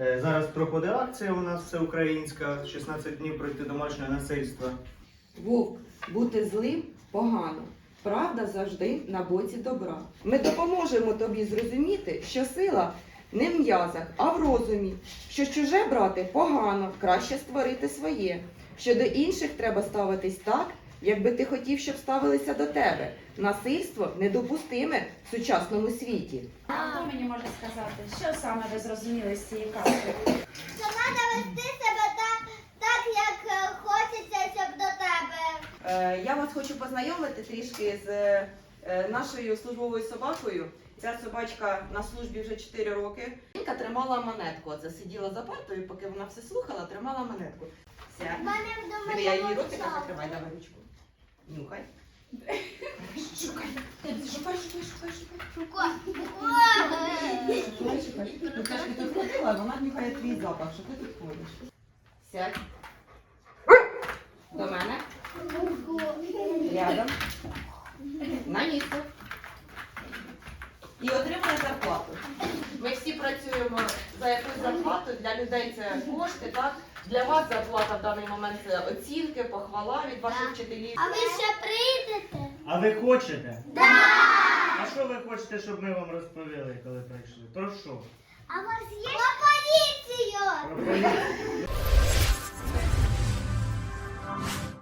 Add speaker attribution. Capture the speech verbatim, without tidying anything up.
Speaker 1: Е, Зараз проходить акція у нас всеукраїнська, шістнадцять днів проти домашнього насильства.
Speaker 2: Вовк, бути злим погано. Правда завжди на боці добра. Ми допоможемо тобі зрозуміти, що сила не в м'язах, а в розумі. Що чуже брати погано, краще створити своє. Що до інших треба ставитись так, якби ти хотів, щоб ставилися до тебе. Насильство недопустиме в сучасному світі.
Speaker 3: А хто мені може сказати, що саме ви зрозуміли з цієї казки?
Speaker 4: Що треба вести себе так, так, як е, хочеться, щоб до тебе.
Speaker 2: Е, Я вас хочу познайомити трішки з е, нашою службовою собакою. Ця собачка на службі вже чотири роки. Жінка тримала монетку. Оце сиділа за партою, поки вона все слухала, тримала монетку.
Speaker 4: В
Speaker 2: Сядь.
Speaker 4: мене вдома
Speaker 2: Диви, я її
Speaker 4: є
Speaker 2: ротика
Speaker 4: мовчанка.
Speaker 2: закривай, давай ручку. Нюхай. Шукай. Шукай, шукай, шукай, шукай.
Speaker 4: Ой.
Speaker 2: Шукай, шукай. Ну, ти ж ти тут ходила, вона нюхає твій запах, що ти тут ходиш. Сядь. До мене. Рядом. На місце. І отримує зарплату. Ми всі працюємо за якусь зарплату, для людей це кошти, так? Для вас зарплата в даний момент це оцінки, похвала від ваших вчителів.
Speaker 4: А ви ще прийдете?
Speaker 1: А ви хочете?
Speaker 4: Да!
Speaker 1: А що ви хочете, щоб ми вам розповіли, коли прийшли? Про що?
Speaker 4: А у вас є? Про поліцію!
Speaker 1: Про поліцію.